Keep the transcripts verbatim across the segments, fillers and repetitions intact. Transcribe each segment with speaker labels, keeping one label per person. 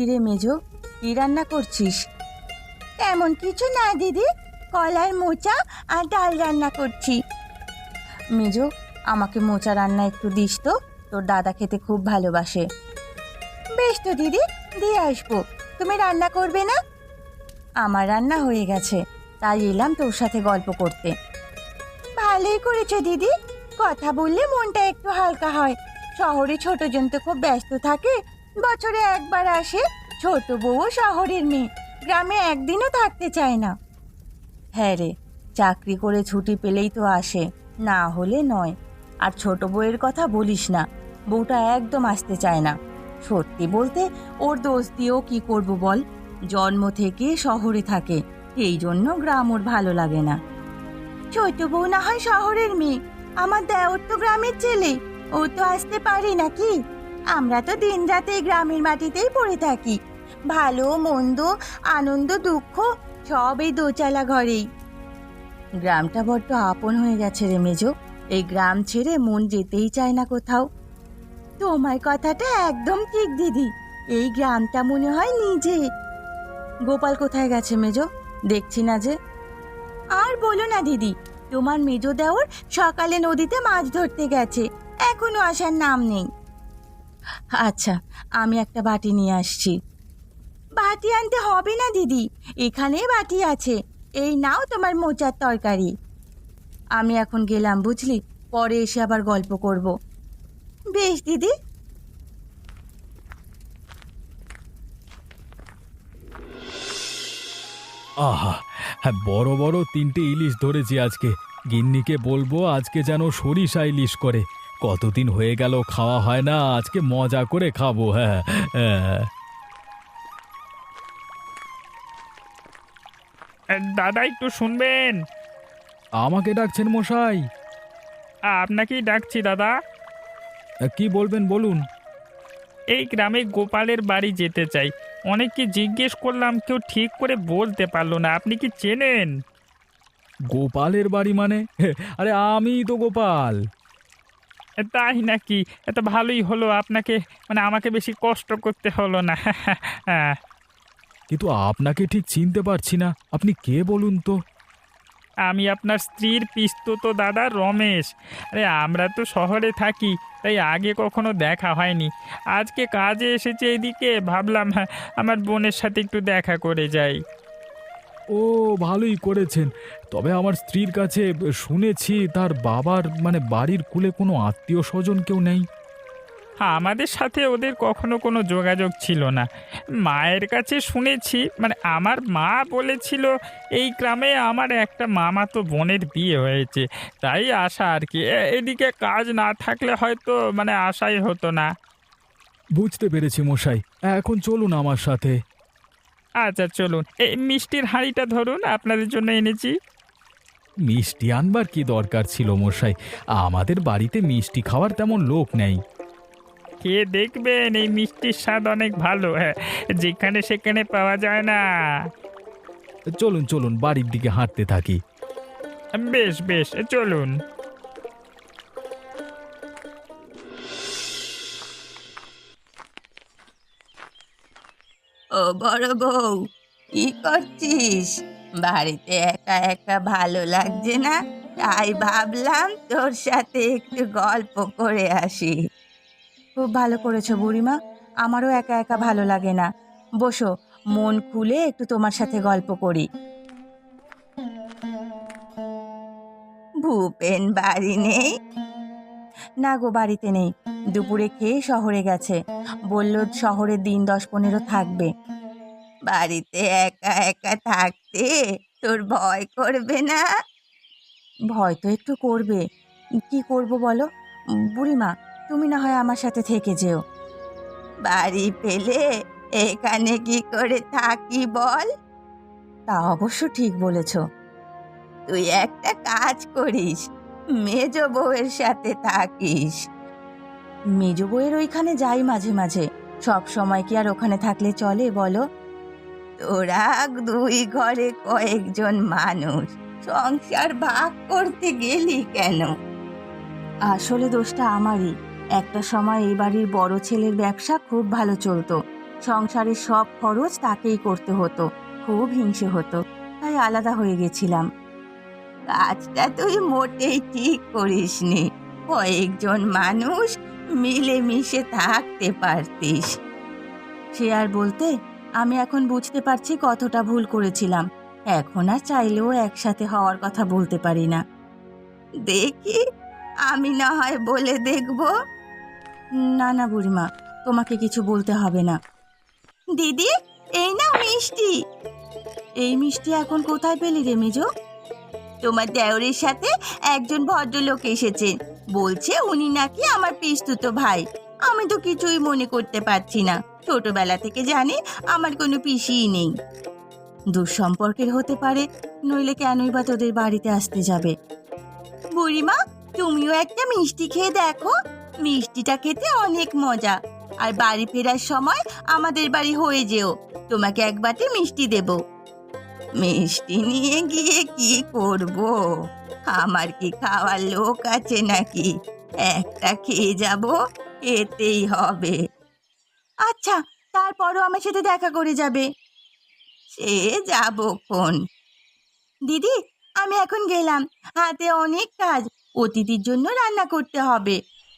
Speaker 1: কিরে মেজো, কি রান্না করছিস? তেমন কিছু না দিদি, কলার মোচা আর ডাল রান্না করছি। মেজো, আমাকে মোচা রান্না একটু দিস তো, তোর দাদা খেতে খুব ভালোবাসে। বেশ তো দিদি, দিয়ে আসবো। তুমি রান্না করবে না? আমার রান্না হয়ে গেছে, তাই এলাম তোর সাথে গল্প করতে। ভালোই করেছো দিদি, কথা বললে মনটা একটু হালকা হয়। শহরে ছোটজন তো খুব ব্যস্ত থাকে, বছরে একবার আসে। ছোট বউ শহরের মেয়ে, গ্রামে একদিনও থাকতে চায় না। হ্যাঁ রে, চাকরি করে ছুটি পেলেই তো আসে, না হলে নয়। আর ছোট বউয়ের কথা বলিস না, বউটা একদম আসতে চায় না। সত্যি বলতে ওর দোষ দিয়েও কি করব বল, জন্ম থেকে শহরে থাকে, এই জন্য গ্রাম ওর ভালো লাগে না। ছোট বউ না হয় শহরের মেয়ে, আমার দেওর তো গ্রামের ছেলে, ও তো আসতে পারে নাকি? আমরা তো দিন রাতে গ্রামের মাটিতেই পড়ে থাকি, ভালো মন্দ আনন্দ দুঃখ সব এই দোচালা ঘরেই। গ্রামটা বড্ড আপন হয়ে গেছে রে মেজো, এই গ্রাম ছেড়ে মন যেতেই চায় না কোথাও। তোমার কথাটা একদম ঠিক দিদি, এই গ্রামটা মনে হয় নিজে। গোপাল কোথায় গেছে মেজো, দেখছি না যে। আর বলো না দিদি, তোমার মেজো দেওর সকালে নদীতে মাছ ধরতে গেছে, এখনো আসার নাম নেই। আচ্ছা, আমি একটা বাটি নিয়ে আসছি। বাটি আনতে হবে না দিদি, এখানে বাটি আছে, এই নাও তোমার মোচার তরকারি। আমি এখন গেলাম বুঝলি, পরে এসে আবার গল্প করব। বেশ দিদি।
Speaker 2: আহা! হ্যাঁ, বড় বড় তিনটে ইলিশ ধরেছি আজকে। গিন্নিকে বলবো আজকে যেন সরিষা ইলিশ করে। কতদিন হয়ে গেল খাওয়া হয় না, আজকে মজা করে খাবো। হ্যাঁ, হ্যাঁ।
Speaker 3: এ, দাদা একটু শুনবেন।
Speaker 2: আমাকে ডাকছেন মশাই?
Speaker 3: আপনাকেই ডাকছি দাদা।
Speaker 2: কি বলবেন বলুন।
Speaker 3: এই গ্রামে গোপালের বাড়ি যেতে চাই, অনেককে জিজ্ঞেস করলাম, কেউ ঠিক করে বলতে পারলো না। আপনি কি চেনেন?
Speaker 2: গোপালের বাড়ি মানে? হে, আরে আমিই তো গোপাল।
Speaker 3: এ, তাই নাকি? এত ভালোই হলো, আপনাকে মানে আমাকে বেশি কষ্ট করতে হলো না। হ্যাঁ,
Speaker 2: কিন্তু আপনাকে ঠিক চিনতে পারছি না, আপনি কে বলুন তো?
Speaker 3: আমি আপনার স্ত্রীর পিসতুতো দাদা রমেশ। আরে আমরা তো শহরে থাকি, তাই আগে কখনো দেখা হয়নি। আজকে কাজে এসেছে এদিকে, ভাবলাম হ্যাঁ, আমার বোনের সাথে একটু দেখা করে যাই।
Speaker 2: ও, ভালোই করেছেন। তবে আমার স্ত্রীর কাছে শুনেছি তার বাবার মানে বাড়ির কুলে কোনো আত্মীয় স্বজন কেউ নেই।
Speaker 3: হ্যাঁ, আমাদের সাথে ওদের কখনো কোনো যোগাযোগ ছিল না। মায়ের কাছে শুনেছি, মানে আমার মা বলেছিল এই গ্রামে আমার একটা মামাতো বোনের বিয়ে হয়েছে, তাই আসা আর কি। এ- এদিকে কাজ না থাকলে হয়তো মানে আশাই হতো না।
Speaker 2: বুঝতে পেরেছি মশাই, এখন চলুন আমার সাথে।
Speaker 3: আচ্ছা চলুন, এই মিষ্টির হাঁড়িটা ধরুন, আপনাদের জন্য এনেছি।
Speaker 2: মিষ্টি আনবার কি দরকার ছিল মশাই? আমাদের বাড়িতে মিষ্টি খাওয়ার তেমন লোক নেই।
Speaker 3: খেয়ে দেখবেন, এই মিষ্টির স্বাদ অনেক ভালো, হ্যাঁ, যেখানে সেখানে পাওয়া যায় না।
Speaker 2: চলুন চলুন, বাড়ির দিকে হাঁটতে থাকি।
Speaker 3: বেশ বেশ, চলুন।
Speaker 1: ও বড় বউ, কি করছিস? বাড়িতে একা একা ভালো লাগছে না, তাই ভাবলাম তোর সাথে একটু গল্প করে আসি। খুব ভালো করেছো বুড়িমা, আমারও একা একা ভালো লাগে না। বসো, মন খুলে একটু তোমার সাথে গল্প করি। ভূপেন বাড়ি নেই? না গো, বাড়িতে নেই, দুপুরে খেয়ে শহরে গেছে, বলল শহরে দিন দশ পনেরো থাকবে। বাড়িতে একা একা থাকতে তোর ভয় করবে না? ভয় তো একটু করবে, কি করব বলো। বুড়িমা, তুমি না হয় আমার সাথে থেকে যেও। বাড়ি পেলে এখানে কি করে থাকি বল? তা অবশ্য ঠিক বলেছ। তুই একটা কাজ করিস, মেজ বউয়ের সাথে থাকিস। মেজ বউয়ের ওইখানে যাই মাঝে মাঝে, সব সময় কি আর ওখানে থাকলে চলে বলো? তোরা দুই ঘরে কয়েকজন মানুষ, সংসার ভাগ করতে গেলি কেন? আসলে দোষটা আমারই। একটা সময় এই বাড়ির বড় ছেলের ব্যবসা খুব ভালো চলতো, সংসারের সব খরচ তাকেই করতে হতো। খুব হিংসে হতো, তাই আলাদা হয়ে গেছিলাম। কাজটা তুই মোটেই ঠিক করিসনি। কয়েকজন মানুষ মিলেমিশে থাকতে পারতিস। সে আর বলতে, আমি এখন বুঝতে পারছি কতটা ভুল করেছিলাম। এখন আর চাইলেও একসাথে হওয়ার কথা বলতে পারি না। দেখি, আমি না হয় বলে দেখব। না না বুড়িমা, তোমাকে কিছু বলতে হবে না। দিদি, এই না মিষ্টি। এই মিষ্টি এখন কোথায় পেলি রে মেজো? তোমার দেওরের সাথে একজন ভদ্রলোক এসেছে, বলছে উনি নাকি আমার পিস্তুত ভাই। আমি তো কিছুই মনে করতে পারছি না। ছোটবেলা থেকে জানি আমার কোনো পিসিই নেই। দুঃসম্পর্কের হতে পারে, নইলে কেনই বা তোদের বাড়িতে আসতে যাবে। বুড়িমা, তুমিও একটা মিষ্টি খেয়ে দেখো। মিষ্টিটা খেতে অনেক মজা। আর বাড়ি ফেরার সময় আমাদের বাড়ি হয়ে যেও, তোমাকে এক বাটি মিষ্টি দেব। মিষ্টি নিয়ে গিয়ে কি করব? আমার কি খাওয়ার লোক আছে নাকি? একটা খেয়ে যাব, এতেই হবে। আচ্ছা, তারপরও আমার সাথে দেখা করে যাবে। সে যাবক্ষণ। দিদি, আমি এখন গেলাম। হাতে অনেক কাজ, অতিথির জন্য রান্না করতে হবে।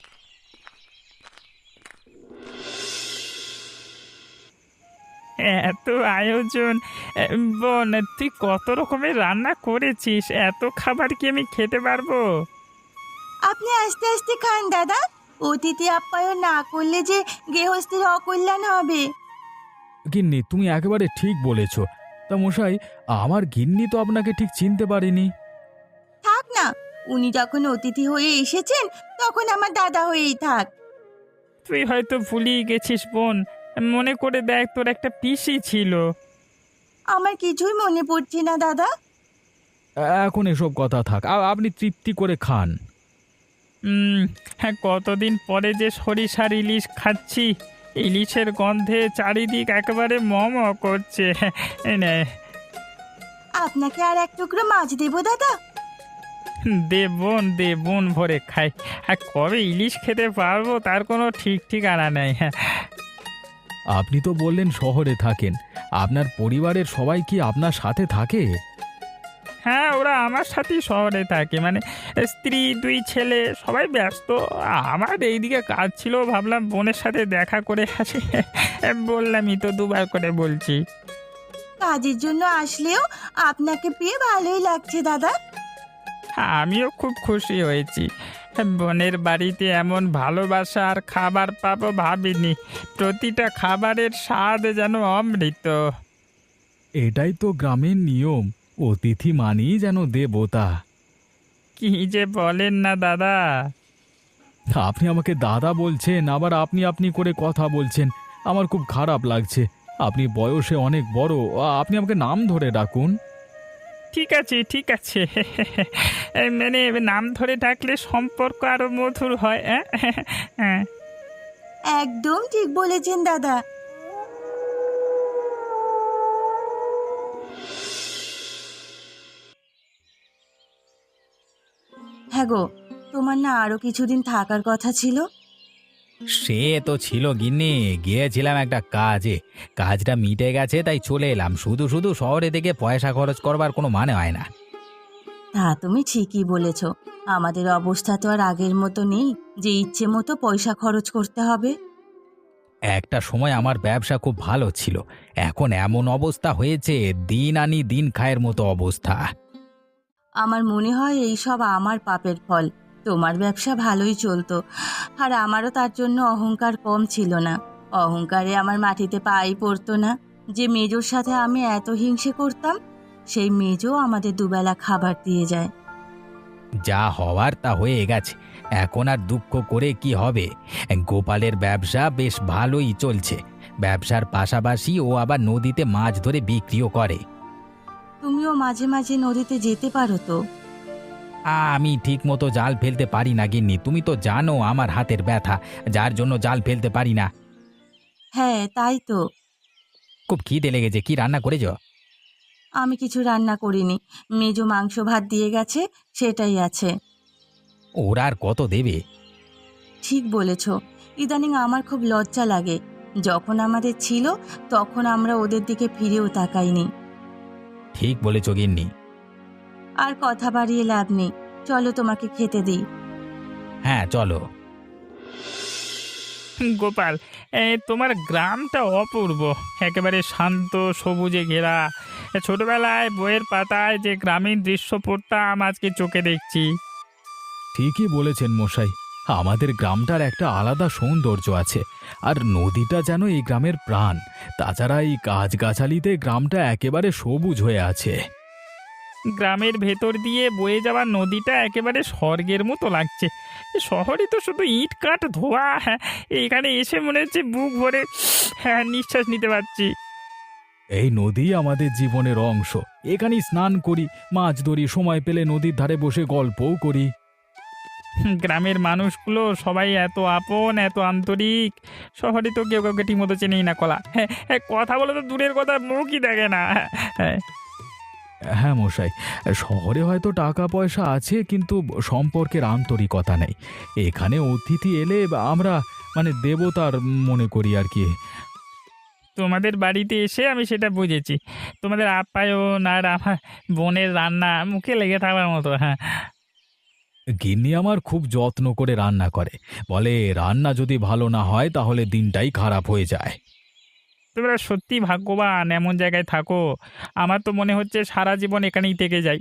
Speaker 3: এত আয়োজন! এ, বোন, তুই কত রকমের রান্না করেছিস? এত খাবার কি আমি খেতে পারবো?
Speaker 1: আপনি আস্তে আস্তে খান দাদা। অতিথি আপ্যায়ন না করলে যে গৃহস্থের অকল্যাণ হবে।
Speaker 2: গিন্নি, তুমি একেবারে ঠিক বলেছ। তা মশাই, আমার গিন্নি তো আপনাকে ঠিক চিনতে পারেনি।
Speaker 1: থাক না, উনি যখন অতিথি হয়ে এসেছেন তখন আমার দাদা হয়েই থাক।
Speaker 3: তুই হয়তো ভুলিয়ে গেছিস বোন। মনে করে দেখ, তোর একটা পিসি ছিল।
Speaker 1: আমার কিছুই মনে পড়ছে না দাদা।
Speaker 2: এখন এসব কথা থাক, আ- আপনি তৃপ্তি করে খান।
Speaker 3: হুম, হ্যাঁ, কতদিন পরে যে সরিষার ইলিশ খাচ্ছি। ইলিশের গন্ধে চারিদিক একেবারে ম ম করছে। এই নে,
Speaker 1: আপনাকে আর এক টুকরো মাছ দেবো দাদা?
Speaker 3: দে বোন, দে, বোন ভরে খাই। আর কবে ইলিশ খেতে পারবো তার কোনো ঠিক ঠিকানা নেই।
Speaker 2: আপনি তো বললেন শহরে থাকেন, আপনার পরিবারের সবাই কি আপনার সাথে থাকে?
Speaker 3: হ্যাঁ, ওরা আমার সাথেই শহরে থাকে। মানে স্ত্রী, দুই ছেলে, সবাই ব্যস্ত। আমার এইদিকে কাজ ছিল, ভাবলাম বোনের সাথে দেখা করে আসি। বললামই তো, দুবার করে বলছি।
Speaker 1: কাজের জন্য আসলেও আপনাকে পেয়ে ভালোই লাগছে দাদা।
Speaker 3: আমিও খুব খুশি হয়েছি। বোনের বাড়িতে এমন ভালোবাসা আর খাবার পাবো ভাবিনি। প্রতিটা খাবারের স্বাদ যেন অমৃত।
Speaker 2: এটাই তো গ্রামের নিয়ম, অতিথি মানেই যেন দেবতা।
Speaker 3: কি যে বলেন না দাদা!
Speaker 2: আপনি আমাকে দাদা বলছেন, আবার আপনি আপনি করে কথা বলছেন। আমার খুব খারাপ লাগছে। আপনি বয়সে অনেক বড়, আ- আপনি আমাকে নাম ধরে ডাকুন।
Speaker 3: ঠিক আছে, ঠিক আছে। এই মানে নাম ধরে ডাকলে সম্পর্ক আরো মধুর হয়। হ্যাঁ, হ্যাঁ।
Speaker 1: একদম ঠিক বলেছেন দাদা। হ্যাঁ গো, তোমার না আরো কিছুদিন থাকার কথা ছিল?
Speaker 4: সে তো ছিল গিন্নি, গিয়েছিলাম একটা কাজে। কাজটা মিটে গেছে তাই চলে এলাম। শুধু শুধু শহরে থেকে পয়সা খরচ করবার কোনো মানে হয় না।
Speaker 1: তা তুমি ঠিকই বলেছ। আমাদের অবস্থা তো আর আগের মতো নেই যে ইচ্ছে মতো পয়সা খরচ করতে হবে।
Speaker 4: একটা সময় আমার ব্যবসা খুব ভালো ছিল, এখন এমন অবস্থা হয়েছে, দিন আনি দিন খায়ের মতো অবস্থা।
Speaker 1: আমার মনে হয় এই সব আমার পাপের ফল। তোমার ব্যবসা ভালোই চলতো, আর আমারও তার জন্য অহংকার কম ছিল না। অহংকারে আমার মাটিতে পাই পড়তো না। যে মেজোর সাথে আমি এত হিংসে করতাম, সেই মেজো আমাদের দুবেলা খাবার দিয়ে যায়।
Speaker 4: যা হওয়ার তা হয়ে গেছে, এখন আর দুঃখ করে কি হবে। গোপালের ব্যবসা বেশ ভালোই চলছে। ব্যবসার পাশাপাশি ও আবার নদীতে মাছ ধরে বিক্রিও করে।
Speaker 1: তুমিও মাঝে মাঝে নদীতে যেতে পারো তো।
Speaker 4: আমি ঠিক মতো জাল ফেলতে পারি না গিন্নি, তুমি তো জানো আমার হাতের ব্যথা, যার জন্য জাল ফেলতে পারি না।
Speaker 1: হ্যাঁ, তাই তো।
Speaker 4: খুব খিদে লেগেছে, কি রান্না করেছ?
Speaker 1: আমি কিছু রান্না করিনি, মেজো মাংস ভাত দিয়ে গেছে, সেটাই আছে।
Speaker 4: ওরা আর কত দেবে?
Speaker 1: ঠিক বলেছ। ইদানিং আমার খুব লজ্জা লাগে। যখন আমাদের ছিল তখন আমরা ওদের দিকে ফিরেও তাকাইনি।
Speaker 4: ঠিক বলেছ গিন্নি।
Speaker 1: আর কথা বাড়িয়ে লাভ নেই, চলো তোমাকে খেতে দিই।
Speaker 4: হ্যাঁ চলো।
Speaker 3: গোপাল, এ, তোমার গ্রামটা অপূর্ব, একেবারে শান্ত সবুজে ঘেরা। এ, ছোটবেলায় বইয়ের পাতায় যে গ্রামীণ দৃশ্য পড়তাম আজকে চোখে দেখছি।
Speaker 2: ঠিকই বলেছেন মশাই, আমাদের গ্রামটার একটা আলাদা সৌন্দর্য আছে। আর নদীটা যেন এই গ্রামের প্রাণ। তাছাড়া এই গাছগাছালিতে গ্রামটা একেবারে সবুজ হয়ে আছে।
Speaker 3: গ্রামের ভেতর দিয়ে বয়ে যাওয়া নদীটা একেবারে স্বর্গের মতো লাগছে। শহরে তো শুধু ইট কাঠ ধোয়া, হ্যাঁ, এখানে এসে মনে হচ্ছে বুক ভরে হ্যাঁ নিঃশ্বাস নিতে পারছি।
Speaker 2: এই নদী আমাদের জীবনের অংশ। এখানেই স্নান করি, মাছ ধরি, সময় পেলে নদীর ধারে বসে গল্পও করি।
Speaker 3: গ্রামের মানুষগুলো সবাই এত আপন, এত আন্তরিক। শহরে তো কেউ কাউকে ঠিক মতো চেনেই না কলা। হ্যাঁ হ্যাঁ, কথা বলে তো দূরের কথা, মুখই দেখে না। হ্যাঁ,
Speaker 2: হ্যাঁ মশাই, শহরে হয়তো টাকা পয়সা আছে কিন্তু সম্পর্কের আন্তরিকতা নেই। এখানে অতিথি এলে আমরা মানে দেবতার মনে করি আর কি।
Speaker 3: তোমাদের বাড়িতে এসে আমি সেটা বুঝেছি। তোমাদের আপ্যায়ন আর আমার বোনের রান্না মুখে লেগে থাকার মতো। হ্যাঁ,
Speaker 2: গিন্নি আমার খুব যত্ন করে রান্না করে, বলে রান্না যদি ভালো না হয় তাহলে দিনটাই খারাপ হয়ে যায়।
Speaker 3: তোমরা সত্যি ভাগ্যবান, এমন জায়গায় থাকো। আমার তো মনে হচ্ছে সারা জীবন এখানেই থেকে যাই।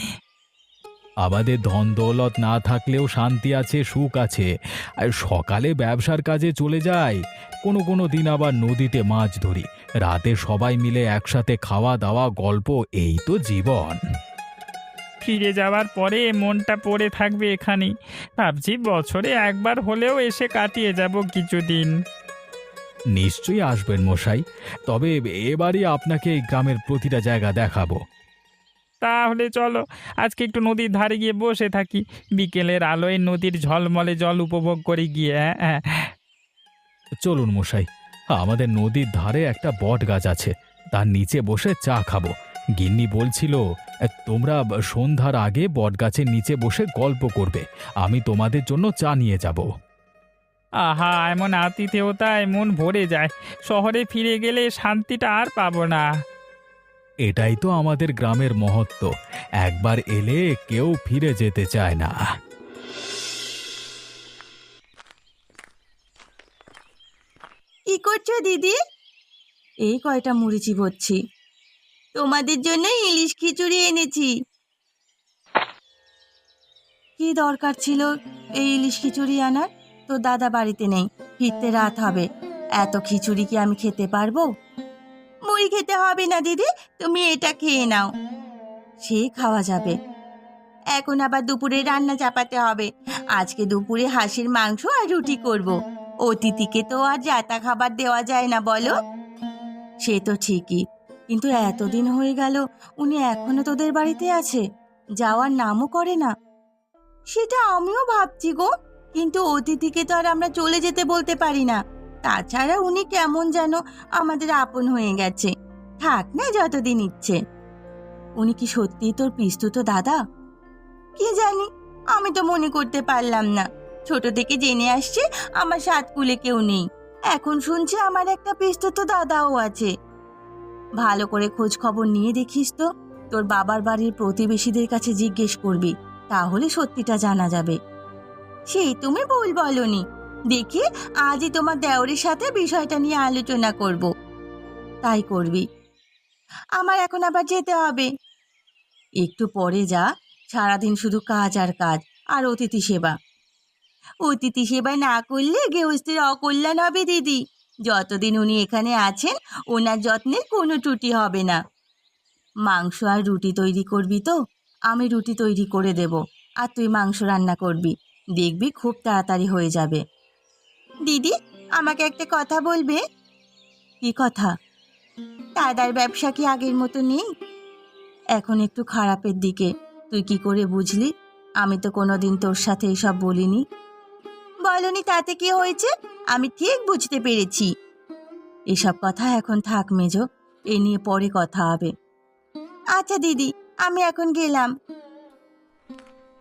Speaker 2: আমাদের ধন দৌলত না থাকলেও শান্তি আছে, সুখ আছে। আর সকালে ব্যবসার কাজে চলে যাই, কোনো কোনো দিন আবার নদীতে মাছ ধরি, রাতে সবাই মিলে একসাথে খাওয়া দাওয়া গল্প, এই তো জীবন।
Speaker 3: ফিরে যাওয়ার পরে মনটা পড়ে থাকবে এখানেই। ভাবছি বছরে একবার হলেও এসে কাটিয়ে যাব কিছুদিন।
Speaker 2: নিশ্চয়ই আসবেন মশাই, তবে এবারই আপনাকে এই গ্রামের প্রতিটা জায়গা দেখাবো।
Speaker 3: তাহলে চলো আজকে একটু নদীর ধারে গিয়ে বসে থাকি, বিকেলের আলোয় নদীর ঝলমলে জল উপভোগ করে গিয়ে। হ্যাঁ হ্যাঁ,
Speaker 2: চলুন মশাই, আমাদের নদীর ধারে একটা বট গাছ আছে, তার নিচে বসে চা খাবো। গিন্নি বলছিল তোমরা সন্ধ্যার আগে বট গাছের নিচে বসে গল্প করবে, আমি তোমাদের জন্য চা নিয়ে যাব।
Speaker 3: আহা, এমন আতিথেয়তায় মন ভরে যায়। শহরে ফিরে গেলে শান্তিটা আর পাবো না।
Speaker 2: এটাই তো আমাদের গ্রামের মহত্ব, একবার এলে কেউ ফিরে যেতে চায় না।
Speaker 1: কি করছো দিদি? এই কয়টা মুড়ি চিবোচ্ছি। তোমাদের জন্য ইলিশ খিচুড়ি এনেছি। কি দরকার ছিল এই ইলিশ খিচুড়ি আনার? তো দাদা বাড়িতে নেই, ফিরতে রাত হবে। এত খিচুড়ি কি আমি খেতে পারবো? মুড়ি খেতে হবে না দিদি, তুমি এটা খেয়ে নাও। সে খাওয়া যাবে। এখন আবার দুপুরে রান্না চাপাতে হবে। আজকে দুপুরে হাঁসের মাংস আর রুটি করব। অতিথিকে তো আর জাতা খাবার দেওয়া যায় না বলো। সে তো ঠিকই, কিন্তু এতদিন হয়ে গেল উনি এখনো তোদের বাড়িতে আছে, যাওয়ার নামও করে না। সেটা আমিও ভাবছি গো, কিন্তু অতিথিকে তো আর আমরা চলে যেতে বলতে পারি না। তাছাড়া উনি কেমন যেন আমাদের আপন হয়ে গেছে। থাক না যতদিন ইচ্ছে। উনি কি সত্যি তোর পিস্তুত দাদা? কি জানি, আমি তো মনে করতে পারলাম না। ছোট থেকে জেনে আসছে আমার সাত কুলে কেউ নেই, এখন শুনছে আমার একটা পিস্তুত দাদাও আছে। ভালো করে খোঁজ খবর নিয়ে দেখিস তো, তোর বাবার বাড়ির প্রতিবেশীদের কাছে জিজ্ঞেস করবি, তাহলে সত্যিটা জানা যাবে। সেই তুমি ভুল বলনি। দেখি আজই তোমার দেওরের সাথে বিষয়টা নিয়ে আলোচনা করব। তাই করবি। আমার এখন আবার যেতে হবে। একটু পরে যা, সারাদিন শুধু কাজ আর কাজ আর অতিথি সেবা। অতিথি সেবা না করলে গৃহস্থের অকল্যাণ হবে দিদি। যতদিন উনি এখানে আছেন ওনার যত্নের কোনো ত্রুটি হবে না। মাংস আর রুটি তৈরি করবি তো? আমি রুটি তৈরি করে দেব, আর তুই মাংস রান্না করবি। দেখবি খুব তাড়াতাড়ি হয়ে যাবে। দিদি, আমাকে একটা কথা বলবে? কি কথা? দাদার ব্যবসা কি আগের মতো নেই? এখন একটু খারাপের দিকে। তুই কি করে বুঝলি? আমি তো কোনোদিন তোর সাথে এসব বলিনি। বলনি তাতে কি হয়েছে? আমি ঠিক বুঝতে পেরেছি। এসব কথা এখন থাক মেজো, এ নিয়ে পরে কথা হবে। আচ্ছা দিদি, আমি এখন গেলাম।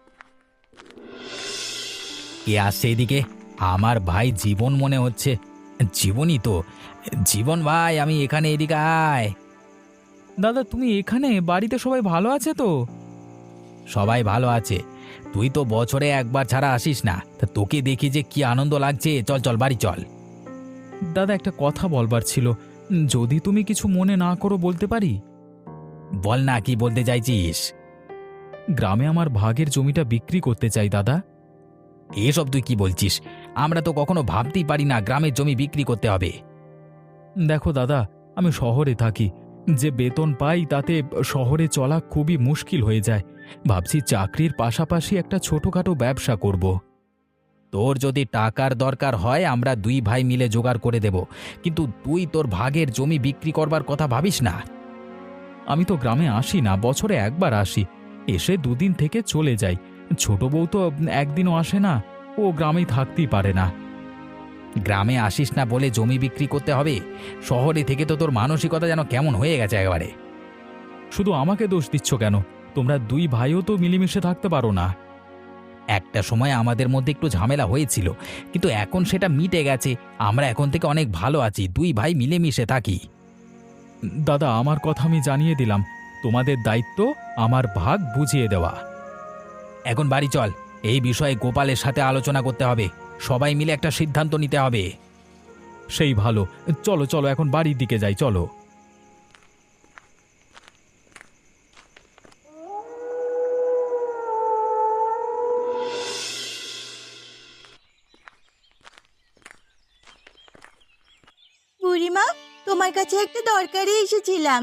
Speaker 4: কে আসছে এদিকে? আমার ভাই জীবন মনে হচ্ছে। জীবনই তো। জীবন ভাই, আমি এখানে, এদিকে আয়।
Speaker 2: দাদা তুমি এখানে? বাড়িতে সবাই ভালো আছে তো?
Speaker 4: সবাই ভালো আছে। তুই তো বছরে একবার ছাড়া আসিস না, তা তোকে দেখি যে কি আনন্দ লাগছে। চল চল, বাড়ি চল।
Speaker 2: দাদা একটা কথা বলবার ছিল, যদি তুমি কিছু মনে না করো বলতে পারি?
Speaker 4: বল না, কি বলতে চাইছিস?
Speaker 2: গ্রামে আমার ভাগের জমিটা বিক্রি করতে চাই দাদা।
Speaker 4: এসব তুই কি বলছিস? আমরা তো কখনো ভাবতেই পারি না গ্রামের জমি বিক্রি করতে হবে।
Speaker 2: দেখো দাদা, আমি শহরে থাকি, যে বেতন পাই তাতে শহরে চলা খুবই মুশকিল হয়ে যায়। ভাবছি চাকরির পাশাপাশি একটা ছোটখাটো ব্যবসা করব।
Speaker 4: তোর যদি টাকার দরকার হয় আমরা দুই ভাই মিলে জোগাড় করে দেব, কিন্তু তুই তোর ভাগের জমি বিক্রি করবার কথা ভাবিস না।
Speaker 2: আমি তো গ্রামে আসি না, বছরে একবার আসি, এসে দুদিন থেকে চলে যাই। ছোট বউ তো একদিনও আসে না, ও গ্রামেই থাকতেই পারে না।
Speaker 4: গ্রামে আসিস না বলে জমি বিক্রি করতে হবে? শহরে থেকে তো তোর মানসিকতা যেন কেমন হয়ে গেছে একেবারে।
Speaker 2: শুধু আমাকে দোষ দিচ্ছ কেন? তোমরা দুই ভাইও তো মিলেমিশে থাকতে পারো না?
Speaker 4: একটা সময় আমাদের মধ্যে একটু ঝামেলা হয়েছিল, কিন্তু এখন সেটা মিটে গেছে। আমরা এখন থেকে অনেক ভালো আছি, দুই ভাই মিলেমিশে থাকি।
Speaker 2: দাদা আমার কথা আমি জানিয়ে দিলাম, তোমাদের দায়িত্ব আমার ভাগ বুঝিয়ে দেওয়া।
Speaker 4: এখন বাড়ি চল, এই বিষয়ে গোপালের সাথে আলোচনা করতে হবে, সবাই মিলে একটা সিদ্ধান্ত নিতে হবে।
Speaker 2: সেই ভালো, চলো চলো এখন বাড়ির দিকে যাই, চলো।
Speaker 1: বুড়িমা, তোমার কাছে একটা দরকারে এসেছিলাম।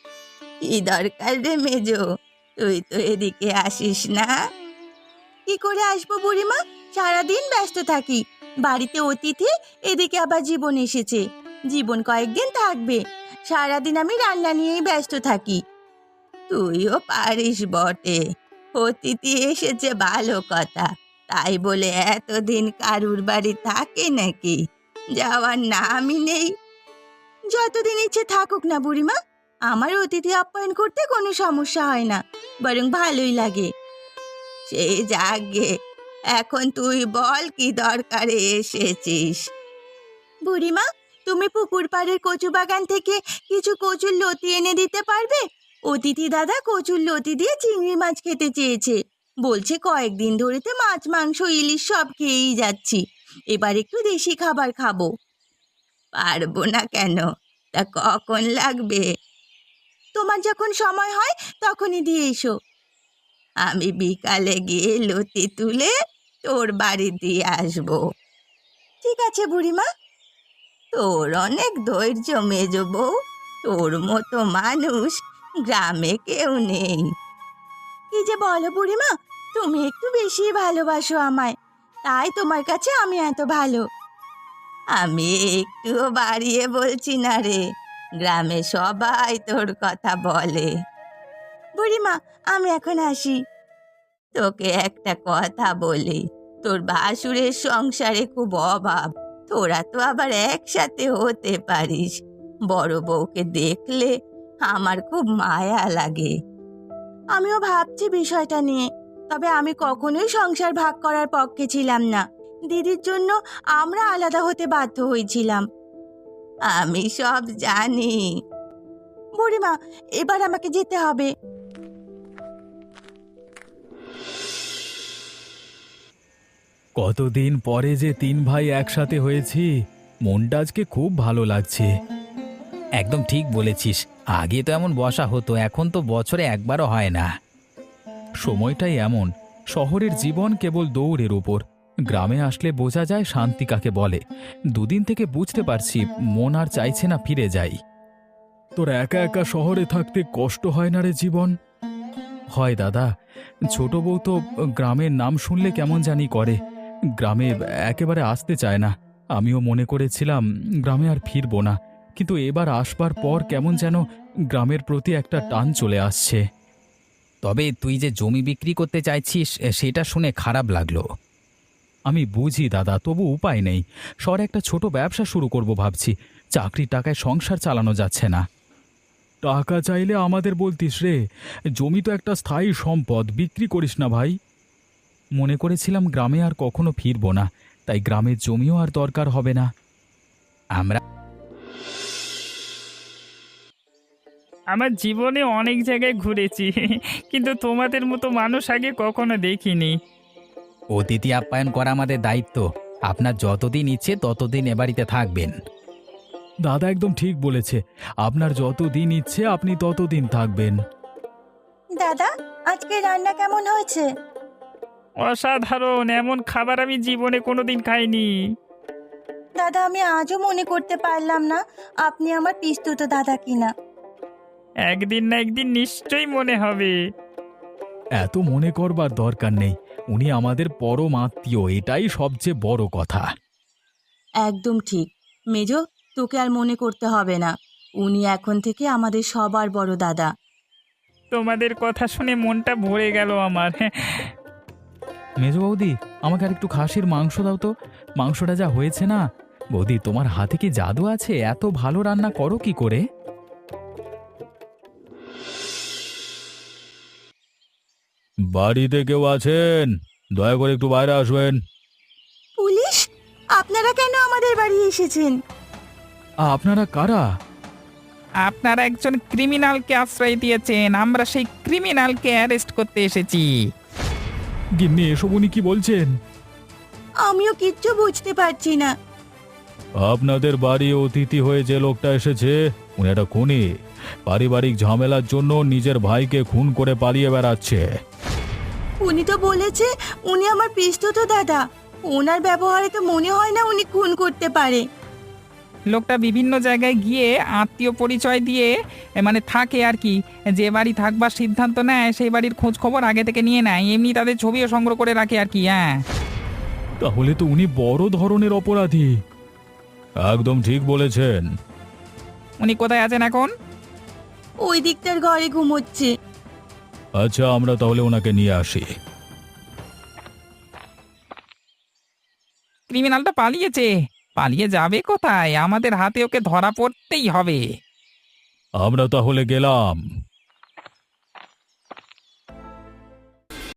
Speaker 1: কি দরকার রে মেজো? তুই তো এদিকে আসিস না। কি করে আসবো বুড়িমা, সারাদিন ব্যস্ত থাকি। বাড়িতে অতিথি, এদিকে আবার জীবন এসেছে। জীবন কয়েকদিন থাকবে, সারাদিন আমি রান্না নিয়েই ব্যস্ত থাকি। তুইও পারিস বটে, অতিথি এসেছে ভালো কথা, তাই বলে এতদিন কারুর বাড়ি থাকে নাকি? যাওয়ার নামই নেই। যতদিন ইচ্ছে থাকুক না বুড়িমা, আমার অতিথি আপ্যায়ন করতে কোনো সমস্যা হয় না, বরং ভালোই লাগে। সে যাগে, এখন তুই বল কি দরকারে এসেছিস? বুড়িমা, তুমি পুকুর পাড়ের কচু বাগান থেকে কিছু কচুর লতি এনে দিতে পারবে? অতিথি দাদা কচুর লতি দিয়ে চিংড়ি মাছ খেতে চেয়েছে। বলছে কয়েকদিন ধরে তো মাছ মাংস ইলিশ সব খেয়েই যাচ্ছি, এবার একটু দেশি খাবার খাবো। পারবো না কেন? তা কখন লাগবে? তোমার যখন সময় হয় তখনই দিয়ে এসো। আমি বিকালে গিয়ে লতি তুলে তোর বাড়ি দিয়ে আসবো। ঠিক আছে বুড়িমা। তোর অনেক ধৈর্য মেজো বউ, তোর মতো মানুষ গ্রামে কেউ নেই। কি যে বলো বুড়িমা, তুমি একটু বেশি ভালোবাসো আমায়, তাই তোমার কাছে আমি এত ভালো। আমি একটুও বাড়িয়ে বলছি না রে, গ্রামে সবাই তোর কথা বলে। বুড়িমা, আমি এখন আসি। তোকে একটা কথা বলি, তোর ভাসুরের সংসারে খুব অভাব, তোরা তো আবার একসাথে হতে পারিস। বড় বউকে দেখলে আমার খুব মায়া লাগে। আমিও ভাবছি বিষয়টা নিয়ে, তবে আমি কখনোই সংসার ভাগ করার পক্ষে ছিলাম না। দিদির জন্য আমরা আলাদা হতে বাধ্য হয়েছিলাম। আমি সব জানি। বুড়িমা, এবার আমাকে যেতে হবে।
Speaker 2: কতদিন পরে যে তিন ভাই একসাথে হয়েছি, মনটা আজকে খুব ভালো লাগছে।
Speaker 4: একদম ঠিক বলেছিস, আগে তো এমন বসা হতো, এখন তো বছরে একবারও হয় না।
Speaker 2: সময়টাই এমন, শহরের জীবন কেবল দৌড়ের উপর। গ্রামে আসলে বোঝা যায় শান্তি কাকে বলে। দুদিন থেকে বুঝতে পারছি মন আর চাইছে না ফিরে যাই। তোর একা একা শহরে থাকতে কষ্ট হয় না রে জীবন? হয় দাদা, ছোট বউ তো গ্রামের নাম শুনলে কেমন জানি করে, গ্রামে একেবারে আসতে চায় না। আমিও মনে করেছিলাম গ্রামে আর ফিরবো না, কিন্তু এবার আসবার পর কেমন যেন গ্রামের প্রতি একটা টান চলে আসছে।
Speaker 4: তবে তুই যে জমি বিক্রি করতে চাইছিস সেটা শুনে খারাপ লাগলো।
Speaker 2: আমি বুঝি দাদা, তবু উপায় নেই। শহরে একটা ছোট ব্যবসা শুরু করব ভাবছি, চাকরির টাকায় সংসার চালানো যাচ্ছে না। টাকা চাইলে আমাদের বলতিস রে, জমি তো একটা স্থায়ী সম্পদ, বিক্রি করিস না ভাই। মনে করেছিলাম গ্রামে আর কখনো ফিরবো না, তাই গ্রামের জমিও আর দরকার হবে না।
Speaker 4: আমরা
Speaker 3: আমার জীবনে অনেক জায়গায় ঘুরেছি কিন্তু তোমাদের মতো মানুষ আগে কখনো দেখিনি।
Speaker 4: অতিথি আপ্যায়ন করা আমাদের দায়িত্ব। আপনার যতদিন ইচ্ছে ততদিন এ বাড়িতে থাকবেন।
Speaker 2: দাদা একদম ঠিক বলেছে, আপনার যত দিন ইচ্ছে আপনি ততদিন থাকবেন।
Speaker 1: দাদা, আজকে রান্না কেমন হয়েছে?
Speaker 3: অসাধারণ, এমন খাবার আমি জীবনে কোনোদিন খাইনি।
Speaker 1: দাদা, আমি আজও মনে করতে পারলাম না আপনি আমার পিস্তুত দাদা কিনা।
Speaker 3: একদিন না একদিন নিশ্চয়ই মনে হবে।
Speaker 2: এত মনে করবার দরকার নেই, উনি আমাদের পরম আত্মীয়, এটাই সবচেয়ে বড় কথা।
Speaker 1: একদম ঠিক মেজো, তোকে আর মনে করতে হবে না, উনি এখন থেকে আমাদের সবার বড় দাদা।
Speaker 3: তোমাদের কথা শুনে মনটা ভরে গেল আমার।
Speaker 2: মেজো বৌদি, আমাকে আর একটু খাসির মাংস দাও তো। মাংসটা যা হয়েছে না, বৌদি তোমার হাতে কি জাদু আছে? এত ভালো রান্না করো কি করে? বাড়িতে কেউ আছেন? দয়া করে একটু বাইরে আসবেন।
Speaker 1: পুলিশ? আপনারা কেন আমাদের বাড়ি এসেছেন?
Speaker 2: আপনারা কারা?
Speaker 3: আপনারা একজন ক্রিমিনালকে আশ্রয় দিয়েছেন, আমরা সেই ক্রিমিনালকে অ্যারেস্ট করতে এসেছি।
Speaker 2: গিন্নি, এসব উনি কি বলছেন?
Speaker 1: আমিও কিচ্ছু বুঝতে পারছি না।
Speaker 2: আপনাদের বাড়ি অতিথি হয়ে যে লোকটা এসেছে, উনি একটা খুনি। পারিবারিক ঝামেলার জন্য নিজের ভাইকে খুন করে পালিয়ে বেড়াচ্ছে।
Speaker 1: উনি তো বলেছে উনি আমার পিস্তুত দাদা, ওনার ব্যবহারে তো মনে হয় না উনি খুন করতে পারে।
Speaker 5: লোকটা বিভিন্ন জায়গায় গিয়ে আত্মীয় পরিচয় দিয়ে এ, মানে থাকে আর কি। যে বাড়ি থাকবার সিদ্ধান্ত নেয় সেই বাড়ির খোঁজ খবর আগে থেকে নিয়ে নেয়, এমনি তাদের ছবিও সংগ্রহ করে রাখে আর কি। হ্যাঁ,
Speaker 2: তাহলে তো উনি বড় ধরনের অপরাধী। একদম ঠিক বলেছেন।
Speaker 5: উনি কোথায় আছেন এখন?
Speaker 1: ওই দিকটার ঘরে ঘুমোচ্ছে।
Speaker 2: আচ্ছা, আমরা তাহলে ওনাকে নিয়ে আসি।
Speaker 5: ক্রিমিনালটা পালিয়েছে। পালিয়ে যাবে কোথায়? আমাদের হাতে ওকে ধরা পড়তেই হবে।
Speaker 2: আমরা তাহলে গেলাম।